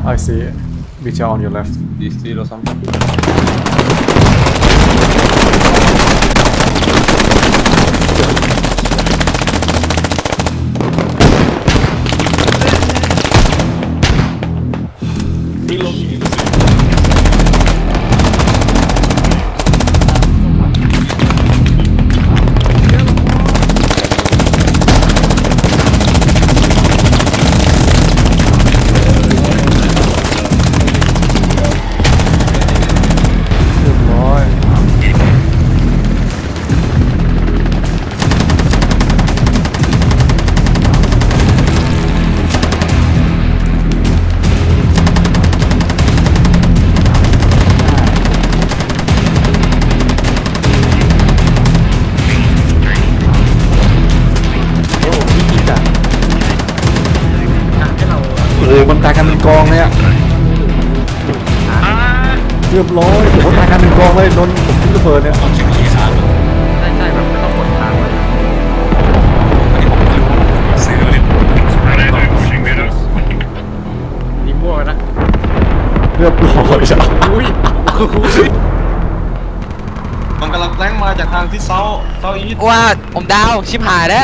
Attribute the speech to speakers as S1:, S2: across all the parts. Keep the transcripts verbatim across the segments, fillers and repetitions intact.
S1: I see Vita on your left.
S2: This street or something.
S1: โอ้มันตายกันเป็นกองเลยอะเรียบร้อยโอ้ตายกันเป็นกองเลยโดนผมทิ้งระเบิดเนี่ย
S3: ใช่ใช่แบบไม่ต้องกดทางเลยนี่มั่วนะ
S1: เรียบร้อยจ้ะ
S3: อุ้ย
S2: มันกำลังแรงมาจากทางที่เซาเซาอีส
S4: ว่าผมดาวชิบหายแล้ว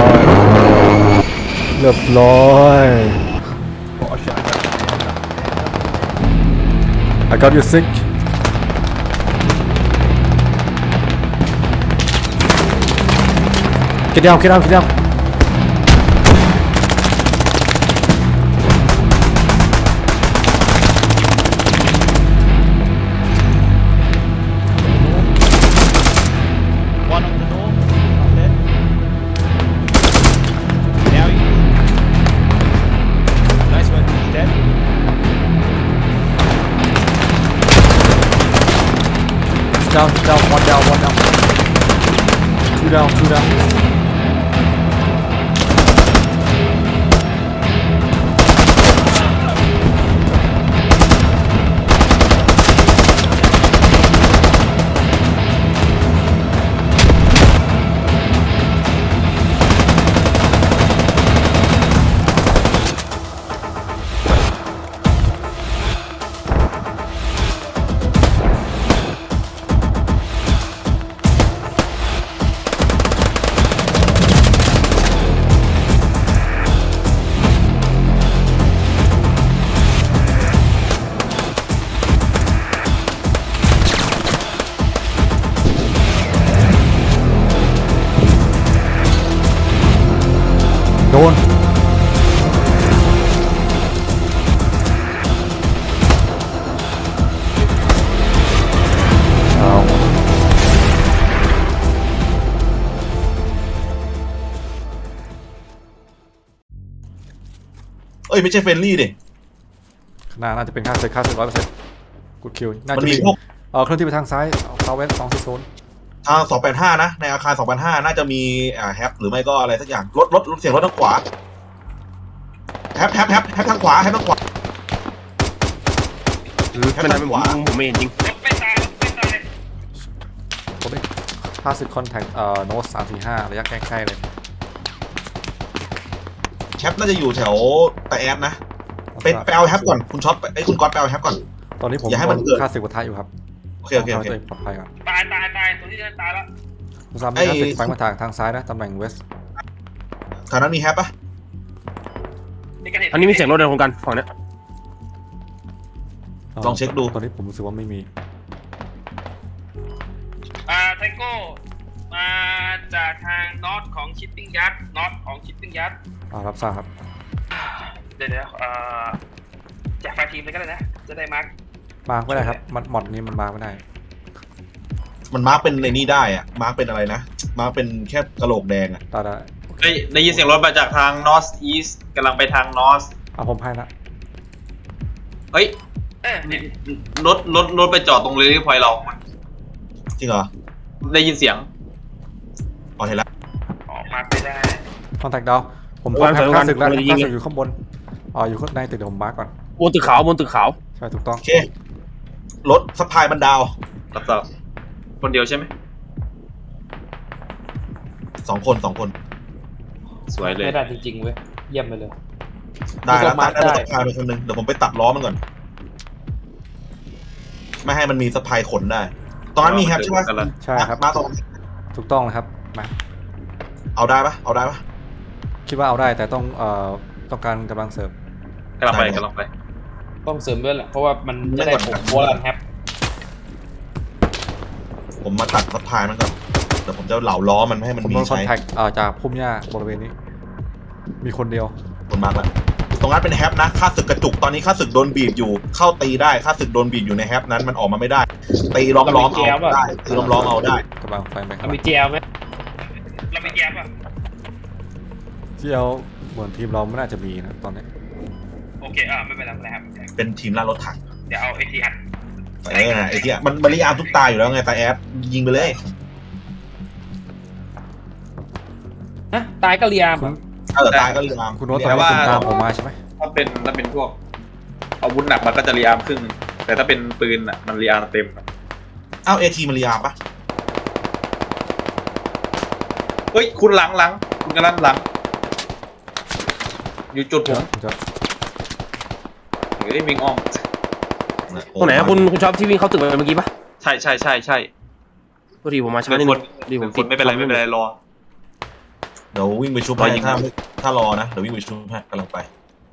S1: เรียบร้อย I got you sick. Get down, get down, get down.
S5: One on the door. Not dead. Now you. Nice one. He's dead.
S1: Down, down, one down, one down. Two down, two down.โดนเอา
S6: เอ้ยไม่ใช่เฟรนลี่ดิ
S1: ข้างหน้าน่าจะเป็นค่าเซ็ตค่าเซ็ตร้อยเปอร์เซ็นต์กูคิวน่า
S6: มัน
S1: จะ
S6: มี
S1: มี
S6: พวก
S1: เออเคลื่อนที่ไปทางซ้ายเซาเวสสองสี่ศูนย์
S6: ทางสองแปดห้านะในอาคารสองแปดห้าน่าจะมีอ่าแฮปหรือไม่ก็อะไรสักอย่างรถรถรถเสียงรถทางขวาแฮปแฮปแฮปแฮปทางขวาแฮปทางขวา
S3: ไม่ได้ผมผมไม่เห็นจริง
S1: ผมเองห้าสิบคอนแทคเอ่อโน้ตสามสี่ห้าระยะใกล้ๆเลย
S6: แฮปน่าจะอยู่แถวตาแอดนะไปไปเอาแฮปก่อนคุณช็อปไอ้ยคุณก๊อตไปเอาแฮปก่อน
S1: ตอนนี้ผม
S6: อย่าให้มันเกิด
S1: ค่าศึกวัฏอยู่ครับ
S6: โอเคโอเคโอเค
S1: ต้งทำให้ตัวงปลอดภัยก่อน
S3: ตายตายตายตัวที่จะตายแล้ว
S1: คุณซาม
S6: ไอ้
S1: มีค่าศึกไฟมาทางทางซ้ายนะตำแหน่งเวส
S6: แถวนั้นมีแฮปปะ
S3: อันนี้มีเสียงรถในโครงการฝั่งเนี้ย
S6: ลองเช็คดู
S1: ตอนนี้ผมรู้สึกว่าไม่มี
S7: อ่าไทโก้มาจากทางนอตของชิปปิ้งยัดนอตของชิปปิ้งยัด
S1: อ่ารับทราบครับ
S7: เดี๋ยวเดี๋ยวเอ่อแจกไฟล์ทีมเลยก็ได้นะ จะได้มาร์ก
S1: มาร์กไม่ได้ครับมันมอดนี้มันมาร์กไม่ได้
S6: มันมาร์กเป็นในนี้ได้อะมาร์กเป็นอะไรนะมาร์กเป็นแค่กระโหลกแดงอะ
S1: ตาได้
S2: ได้ได้ยินเสียงรถมาจากทาง north east กำลังไปทาง north
S1: อ่ะผมให้ละ
S2: เฮ้ย
S7: เออเนี่ย
S2: รถรถรถไปจอดตรงเรลี่พอยต์เรา
S6: จริงเหรอ
S2: ได้ยินเสียง
S6: อ๋อเห็นแล้ว
S7: ออกมาไม่ได้
S1: คอนแทคดาวผมพบแฮปค่าศึกแล้วค่าศึกอยู่ข้างบนอ๋ออยู่ข้างในตึกเดี๋ยวผมมาร์กก่อน
S3: บนตึกขาวบนตึกขาว
S1: ใช่ถูกต้อง
S6: โอเครถสะพายมันดาว
S2: รับทราบคนเดียวใช่ไหม
S6: สองคนสองคน
S2: สวยเลย
S5: ไม่ได้จริงๆเว้ยเยี่ยมไปเลย
S6: ได้แล้วตัดได้รถสะพายไปคนหนึงเดี๋ยวผมไปตัดล้อมันก่อนไม่ให้มันมีสะพายขนได้ตอนนั้นมีแฮปใช่ไหม
S2: กำลัง
S1: ใช่ครับ
S6: มาตรง
S1: ถูกต้องนะครับมา
S6: เอาได้ปะเอาได้ปะ
S1: คิดว่าเอาได้แต่ต้องเอ่อต้องการกำลังเสริม
S2: กำลังไปกำลังไป
S8: ต้องเสริมด้วยแหละเพราะว่ามันจะได้ผมวอลลันแฮป
S6: ผมมาตัดสะพายมันก่อนเดี๋ยวผมจะเหลาล้อมันไม่ให้มัน
S1: ผม
S6: มี
S1: โดนคอน
S6: ใช้
S1: แทคเอ่อจากพุ่มหญ้าบริเวณนี้ มีคนเดียว
S6: คนมากแล้วตรงนั้นเป็นแฮปนะค่าศึกกระจุกตอนนี้ค่าศึกโดนบีบอยู่เข้าตีได้ค่าศึกโดนบีบอยู่ในแฮปนั้นมันออกมาไม่ได้ตีล้อมล้อมเอาได้ตีล้อมล้อมเอาได้
S1: กำลังไฟไหมครั
S8: เรา
S1: บ
S8: มีเจลไหม
S7: เราไม่แย้มอ่ะ
S1: ที่เอาเหมือนทีมเราไม่น่าจะมีนะตอนนี้
S7: โอเคอ่าไม่เป็นไรไม่เป็นไรครับ
S6: เป็นทีมล่ารถถัง
S7: เดี๋ยวเอาไอทีอัด
S6: เออไอ้ที่มันมันรีอาร์มทุกตายอยู่แล้วไงแต่แอดยิงไปเลย
S8: ฮะตายก็เรียม
S1: คุณ
S6: เออตายก็รีอาร์ม
S1: คุณโน้ตตอนนี้คุณตามผมมาใช่ไหม
S2: ถ้าเป็นถ้าเป็นพวกอาวุธหนักมันก็จะรีอาร์มครึ่งแต่ถ้าเป็นปืนอ่ะมันรีอาร์มเต็ม
S6: เอ้าเอทีมันรีอาร์มปะ
S2: เฮ้ยคุณหลังหลังคุณกำลังหลัง อยู่จุดผม
S1: ผมจะ
S2: เฮ้ยวิ่งอ้อม
S3: ตรงไหนอะคุณคุณชอบที่วิ่งเข้าตึกไปเมื่อกี้ปะ
S2: ใช่ใช่ใช่ใช่
S3: พอดีผมมาช้า
S2: เป็
S3: นิ
S2: น
S3: ด
S2: ค
S3: นึ
S2: น
S3: งดีผม
S2: เป็นคนไม่เป็นไรไม่เป็นไรรอ
S6: เดี๋ยววิ่งไปชุบ
S2: รอ
S6: ให้
S2: ยิง
S6: ถ้าไม่ถ้ารอนะเดี๋ยววิ่งไปชุบให้กำลังไป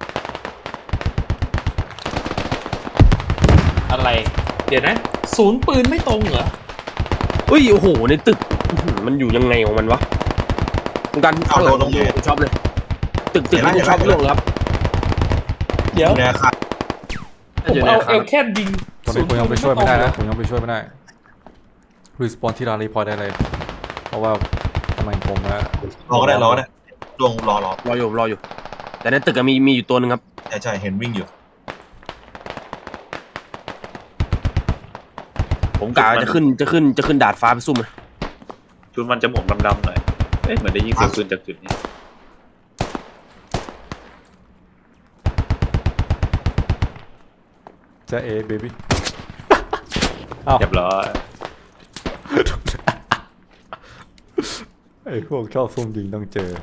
S8: อะไร เดี๋ยวนะ ศูนย์ปืนไม่ตรงเหรอ
S3: เฮ้ยโอ้โหในตึกอื้อหือมันอยู่ยังไงของมันวะคุณกัน
S6: เอาโดนลงเลย
S3: คุณชอบเลย ตึกตึกที่คุณชอบเรื่องเลยครับ
S8: เดี๋ยว
S6: ในอาคาร
S8: ผมเอาเอลแค่ยิง
S1: ตอนนี้ผมยังไปช่วยไม่ได้นะผมยังไปช่วยไม่ได้รีสปอนที่ร้านรีพอร์ตได้เลยเพราะว่าทำไมผมนะ
S6: รอก็ได้รอก็ได้ดวงรอรอ
S3: รออยู่รออยู่ แต่ในตึกอะมีมีอยู่ตัวหนึ่งครับ
S6: ใช่ใช่เห็นวิ่งอยู่
S3: ผมกะว่าจะขึ้นจะขึ้นจะขึ้นดาดฟ้าไปซุ่มเลย
S2: ชุดมันจะหมวกดำๆหน่อยเอ๊ะเหมือนได้ยิงเสียงปืนจากจุดนี้
S1: จะเอเบบี้อ้าว
S2: เรียบร้อย
S1: ไอ้พวกชอบซุ่มยิงต้องเจอ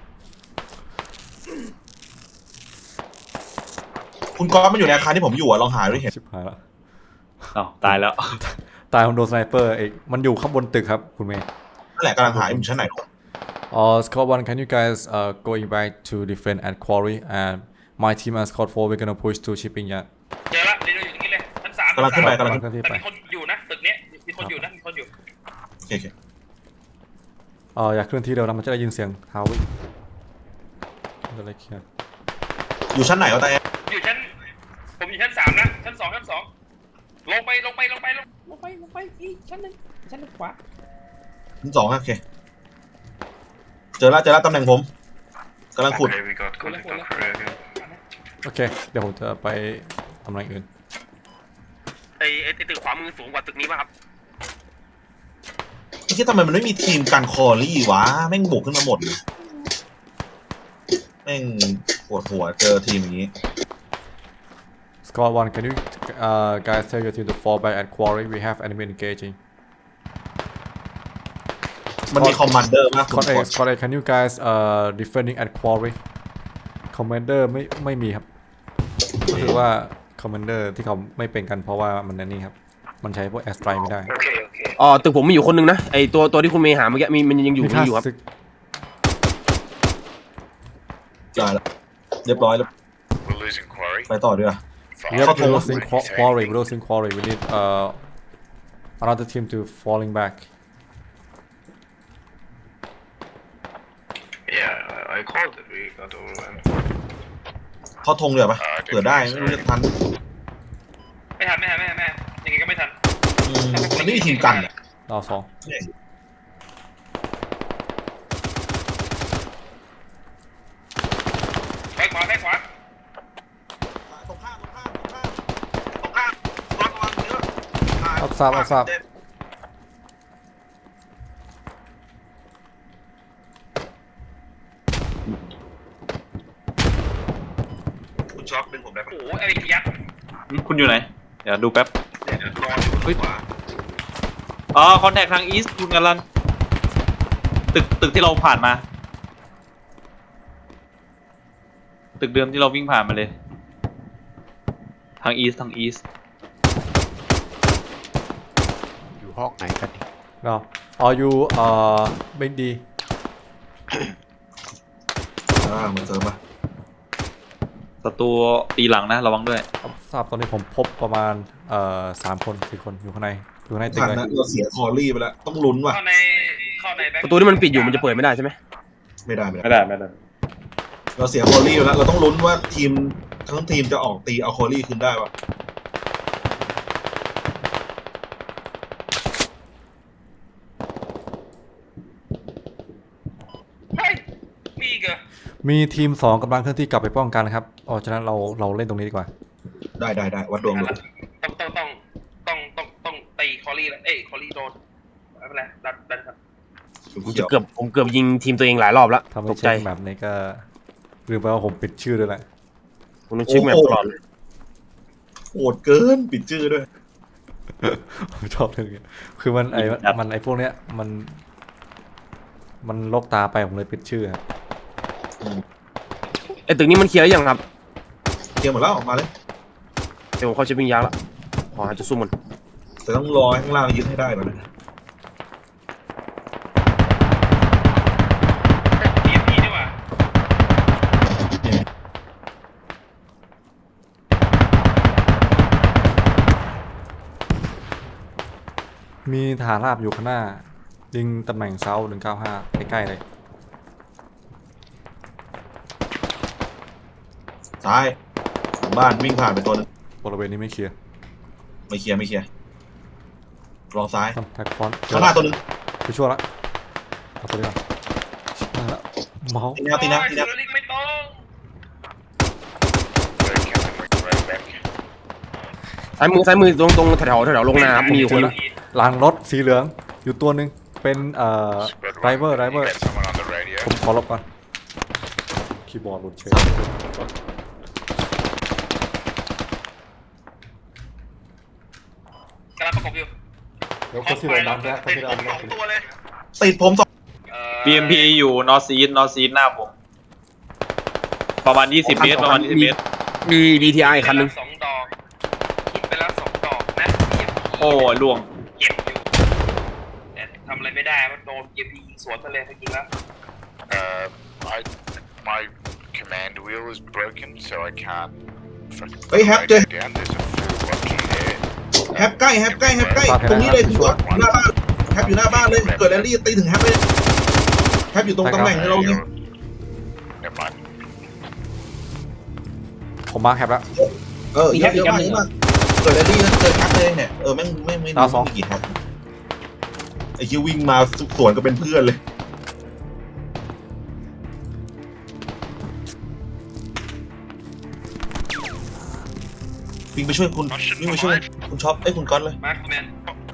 S6: คุณก๊อฟมันอยู่ในอาคารที่ผมอยู่อะลองหาด้วยเห็น
S1: ชิบหายละ
S2: อ้าวตายแล้ว
S1: ตายของโดนสไนเปอร์เอกมันอยู่ข้างบนตึกครับคุณเมย์
S6: นั่นแหละกำลังหาอยู่ชั้นไหน
S1: Uh, Squad one, can you guys uh, going back to defend at Quarry and my team and Squad four we're gonna push to shipping yard.
S7: เจอละเรียนอยู่ตรงนี้เลยชั้นสาม
S6: กำลังขึ้นไปกำลัง
S1: ขึ้นที่
S7: แต่
S1: ไป
S7: มีคนอยู่นะตึกเนี้ยมีคนอยู่นะมีคนอยู่
S6: โอเคโอเค
S1: เอออยากเคลื่อนที่เร็วนะมันจะได้ยินเสียงเท้าวิ่งจะได้เคลียร์
S6: อยู่ชั้นไหนวะแต่แอด
S7: อยู่ชั้นผมอยู่ชั้นสามนะชั้นสองชั้นสองลงไปลงไปลงไปลง
S8: ลงไปลงไปอีกชั้นหนึ่งชั้นหนึ่งขวา
S6: ชั้นสองอะโอเคเจอแล้วเจอแล้วตำแหน่งผมกำลังขุด
S8: คนละคนละ
S1: โอเคเดี๋ยวผมจะไปทำอะไรอื่น
S3: ไอไอตึกขวามือสูงกว่าตึกนี้ป่ะครับ
S6: ไม่คิดทำไมมันไม่มีทีมการคอรี่วะแม่งบุกขึ้นมาหมดเลยแม่งปวดหัวเจอทีมอย่างนี้
S1: Squad one, can you uh, guys tell your team to fall back at Quarry? We have enemy engaging.
S6: มันมีคอมมานเดอร์มาก
S1: Squad A, Squad A, can you guys uh defending at Quarry? Commander ไม่ไม่มีครับก็คือว่า Commander ที่เขาไม่เป็นกันเพราะว่ามันนั่นนี่ครับมันใช้พวก Airstrike ไม่ได้
S3: อ๋อตึกผมมีอยู่คนหนึงนะไอตัวตัวที่คุณเมย์หาเมื่อกี้มีมันยังอยู่
S1: มี
S3: มี
S1: ค่า
S3: อยู่ครับ
S1: ศึก
S6: จ่ายแล้วเรียบร้อยแล้วไปต่อดีกว่า
S1: Yep,
S6: เข้า
S1: we're
S6: ธง
S1: losing Qu- Quarry, we're losing Quarry. We need uh another team to falling back.
S9: Yeah, I called it. We got overrun.
S6: เข้าธงเดี๋ยวปะเผื่อได้ไม่รู้จะทัน
S7: ไม่ทันไม่ทันไม่ทันไม่ทันยังไงก็ไม่ทัน
S6: อืมมันไม่มีทีมกันอะ
S1: ดาวสอง
S7: ไปขวาไปขวา
S6: ตรงข้ามตรงข้ามตรงข้ามตรงข้ามระวังเยอะ
S1: รับทราบรับทราบ
S6: คุณช็อคดึงผมได้ปะ
S7: โอ้โหไอ้ยักษ์
S2: คุณอยู่ไหนเดี๋ยวดูแป๊บ
S6: รออยู่
S2: เฮ้ยอ๋อคอนแทคทางอีสต์คุณกำลังตึกตึกที่เราผ่านมาตึกเดิมที่เราวิ่งผ่านมาเลย ทางอีสทางอีส
S10: อยู่ห้องไหนกันนี่
S1: เราเอาอยู่เอ่อไม่ดี
S6: อ่าเหมือนเสริมปะ
S2: ศัตรูตีหลังนะระวังด้วย
S1: ทราบตอนนี้ผมพบประมาณเอ่อสามคนสี่คนอยู่ข้างในอยู่ข้างในตึก
S6: ทัน
S1: เลย
S6: นะเราเสียคอรี่ไปแล้วต้องลุ้นว่ะ
S7: เข้าในเข้าในแบ็ค
S3: ประตูที่มันปิดอยู่มันจะเปิดไม่ได้ใช่ไหม
S6: ไม่ได้ไม่
S2: ไม่
S6: ได้
S2: ได้ไม่ได้
S6: เราเสียคอรี่ไปแล้วเราต้องลุ้นว่าทีมทั้งทีมจะออกตีเอาคอรี่คืนได้ปะ
S7: เฮ้ยมีอีกเหรอ
S1: มีทีมสองกำลังเคลื่อนที่กลับไปป้องกันครับอ๋อฉะนั้นเราเราเล่นตรงนี้ดีกว่า
S6: ได้ได้ได้วัดดวงดู
S7: ต้องต้องต้องต้องต้องต้องตีคอรี่แล้วเอ้ยคอรี่โดนไม่เป็นไรดันดันครับ
S3: ผมจะเกือบผมเกือบยิงทีมตัวเองหลายรอบแล้ว
S1: ทำให้
S3: ตกใจ
S1: เช็คแบบนี้ก็ลืมไปว่าผมปิดชื่อด้วยแหละ
S3: ผมต้องเช็คแมปตลอดเลย
S6: โหดเกินปิดชื่อด้วย
S1: ผมชอบเรื่องนี้คือมันไอ้มันไอ้พวกเนี้ยมัน มันลกตาไปผมเลยปิดชื่อครับ
S3: ไอ้ตึกนี้มันเคลียร์หรือยังครับ
S6: เตรียมหมดแล้วออกมาเลย
S3: เดี๋ยวผมเข้าชิปปิ้งยาร์ดละขอหาจุดซุ่มมัน
S6: แต่ต้องรอให้ข้างล่างยึดให้ได้ก่อนนะ
S7: ทีมพีดีกว่า
S1: มีฐานราบอยู่ข้างหน้ายิงตำแหน่งเซาหนึ่งเก้าห้าใกล้ๆเลย
S6: ซ้ายหลังบ้านวิ่งผ่านไปตัวนึง
S1: บริเวณนี้ไม่เคลียร์
S6: ไม่เคลียร์ไม่เคลียร์ลองซ้าย
S1: ซัมแพ็กฟอนต์
S6: ข้างหน้าตัวนึง
S1: ไปช่วยละเอาตัวนี้ก่อนชิบหายละเมาส์
S6: ตีนะตีนะตีนะ
S7: โอ้ยลิกไม่ต้อง
S9: Very Captain right back.
S3: ซ้ายมือซ้ายมือตรงตรงแถวแถวๆลงน้ำมีอยู่คนนึง
S1: หลังรถสีเหลืองอยู่ตัวหนึ่งเป็นเอ่อ
S9: Spread
S1: ไรเวอร์ไรเวอร์
S9: Got someone on the radio.
S1: ผมขอลบก่อนคีย์บอร์ดหลุดเฉย
S7: กำลังประกบอยู่
S1: เดี๋ยวคนที่เราดันแล้วคน
S7: ติด
S1: ที่
S7: ผ
S1: เรา
S7: ม
S1: ดั
S7: ส
S1: น
S7: องตัวเลย
S6: ติดผมสอง
S7: เอ่อ
S2: บี เอ็ม พี อยู่นอร์ t อีสนอร์ t อีสหน้าผม ประมาณยี่สิบเมตรประมาณยี่สิบเมตร
S3: มี ดี ที ไอ คันนึง
S7: สองดอกคิดไปแล้วสองดอกนะ
S2: โอ้ยล่วง
S7: เก็บอยู่แต่ทำอะไรไม่ได้มันโดนเก็บยิงสวนทะเลไปยิงแล้ว
S9: Uh, I my command wheel is broken, so I can't. fucking
S6: เฮ้ยแฮป
S9: write
S6: เจอ
S9: it down. There's a full bucket here.
S6: แฮปใกล้แฮปใกล้แฮปใกล้ตรงนี้เลยคุณก๊อตหน้าบ้านแฮปอยู่หน้าบ้านเลยเกิดแอลลี่ตีถึงแฮปเลยแฮปอยู่ตรงตำแหน่งที่เราเนี่ย
S9: Never mind.
S1: ผมมาร์คแคปแล้ว
S6: เออเยอะเยอะมากเยอะมากเกิดแอลลี่นะเกิดแฮปเลยเนี่ยเออแม่งไม่ไม่
S1: ดาวสอง
S6: ไม่กี่แฮปไอ้คิววิ่งมาสวนก็เป็นเพื่อนเลยวิ่งไปช่วยคุณวิ่งไปช่วยคุณช็อปไอ้ยคุณก๊อตเลย
S7: มาร์คแมน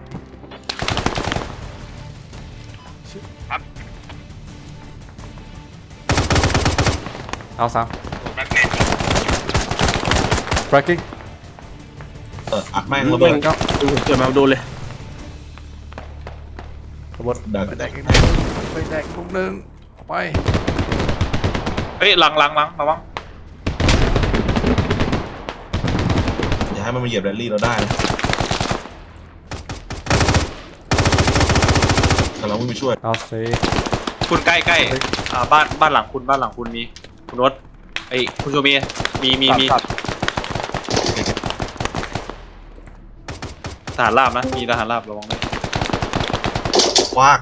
S1: เอาสาม
S7: มาร์คแมน
S1: breaking
S6: เอออัดแม่ง
S3: ระ
S6: ระ
S3: เบิ
S6: เบิ
S3: ด
S6: ด
S3: ก็เกิดมาโดนเลย
S1: ระเบิด
S6: ดัก
S1: ไปแดกไปแดกลูกหนึ่งไป
S2: เฮ้ยหลังหลังหลังระวัง
S6: อย่าให้มันมาเหยียบแรลลี่เราได้นะกำลังวิ่งไปช่วย
S1: เอาเซ
S2: คุณใกล้ใกล้อ่าบ้านบ้านหลังคุณบ้านหลังคุณมีคุณรถไอ้ยคุณโชมีมีมีมี
S3: ตัด
S2: ทหารราบนะมีทหารราบระวังด้วย
S6: คว้าก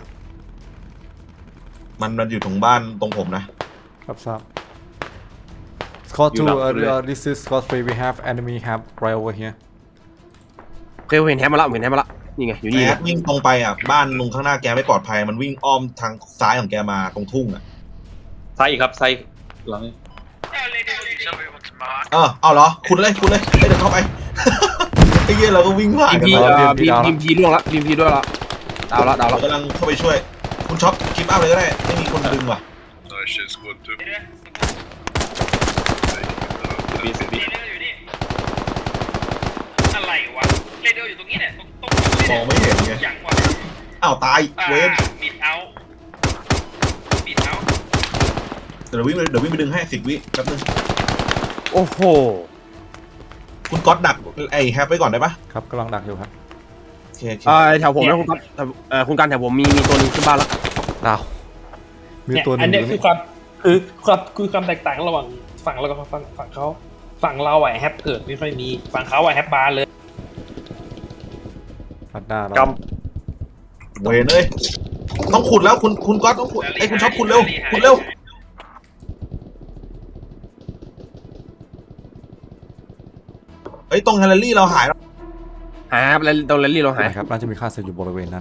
S6: มันมันอยู่ตรงบ้านตรงผมนะครับ
S1: ทราบ Squad two uh, uh, this is Squad three we have enemy have right over here
S3: เคยเห็นแฮมมาละเห็นแฮมมาละนี่ไงอยู่นี่
S6: แอ
S3: ไง
S6: ดวิ่งตรงไปอ่ะบ้านลุงข้างหน้าแกไม่ปลอดภัยมันวิ่งอ้อมทางซ้ายของแกมาตรงทุ่งอ่ะ
S2: ซ้ายอีกครับซ้ายอีกหลังนี้
S7: เออเลยเดี๋ยวเลย
S9: Somebody wants to mark.
S6: เออเอาเหรอคุณเลยคุณเลยเอ้ยเดี๋ยวเข้าไป ไอ้เหี้ยเราก็วิ่งผ่าน
S3: ทีม
S6: กัน
S3: พี
S6: มา
S3: เอ่อทีมทีมพีล่วงละทีมพีด้วยละดาวละดาว
S6: เรา
S3: ละ
S6: กำลังเข้าไปช่วย คุณช็อปคลิปอัพเลยก็ได้ไม่มีคนดึงว่ะ
S9: Nice shit, squad two.
S7: เดี๋ยว
S2: บีสิบี
S7: เดี๋ยวอยู่นี่อะไรวะเรเดียวอยู่ตรงนี้เนี่ยตรงตรง
S6: มองไม่เห็นไง
S7: อย่างวะ
S6: อ้าวตาย
S7: อ่า
S6: เวน
S7: บิดเอาบิดเอา
S6: เดี๋ยววิ่งไปเดี๋ยววิ่งไปดึงให้สิบวิแป๊บนึง
S3: โอ้โห
S6: คุณก๊อตดักไอ้แฮปไว้ก่อนได้ปะ
S1: ครับกำลังดักอยู่ครับ
S6: โอเคโอเค
S3: เอ่อแถวผมนะคุณกัดเอ่อคุณกันแถวผมมีมีตัวหนึงขึ้นบ้านแล้ว
S1: ดาวมี
S8: เนี่ย
S1: ตัวหนึ
S8: อัน
S1: ง
S8: เนี้ย
S1: อยู่
S8: คือ
S1: นี่
S8: ความคือความคือความแตกต่างระหว่างฝั่งเรากับฝั่งฝั่งเขาฝั่งเราอะแฮปเกิดไม่ค่อยมีฝั่งเขาอะแฮปบาร์เลย
S1: พัดหน้าเรา
S2: ก
S6: เวนเลยต้องขุดแล้วคุณคุณก๊อตต้องขุดไอ้ยคุณชอบขุดเร็วขุดเร็วเอ้ยตรงแฮลเลอรี่เราหายแล้ว
S3: หายครับแล้วตรงแรลลี่เราหาย
S1: นะครับน่าจะมีค่าศึกอยู่บริเวณนั้น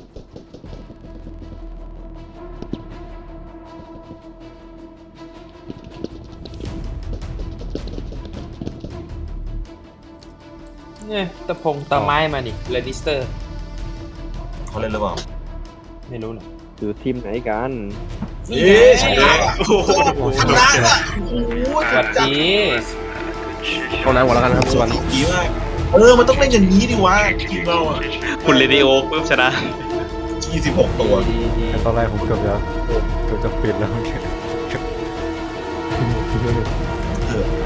S8: เนี่ยตะพงตะไม้มานี่เรดิสเตอร์
S6: เขาเล่นหรือเปล่า
S8: ไม่รู้นะ
S10: อยู่ทีมไหนกัน
S6: เอ๊ะชนะว่ะโอ้โหชนะว่ะโอ้โห
S8: สวัสดี
S3: เอาน้ำก่อนแล้วกันนะครับสวัสดี
S6: ดีมากเออมันต้องเล่นอย่างนี้ดิวะทีมเราอ่ะ
S2: ำคุณเรดิโอปุ๊บชนะ
S6: ยี่สิบหกตัว
S8: ดีดี
S1: แต่ตอนแรกผมเกือบจะเกือบจะปิดแล้ว
S6: เออ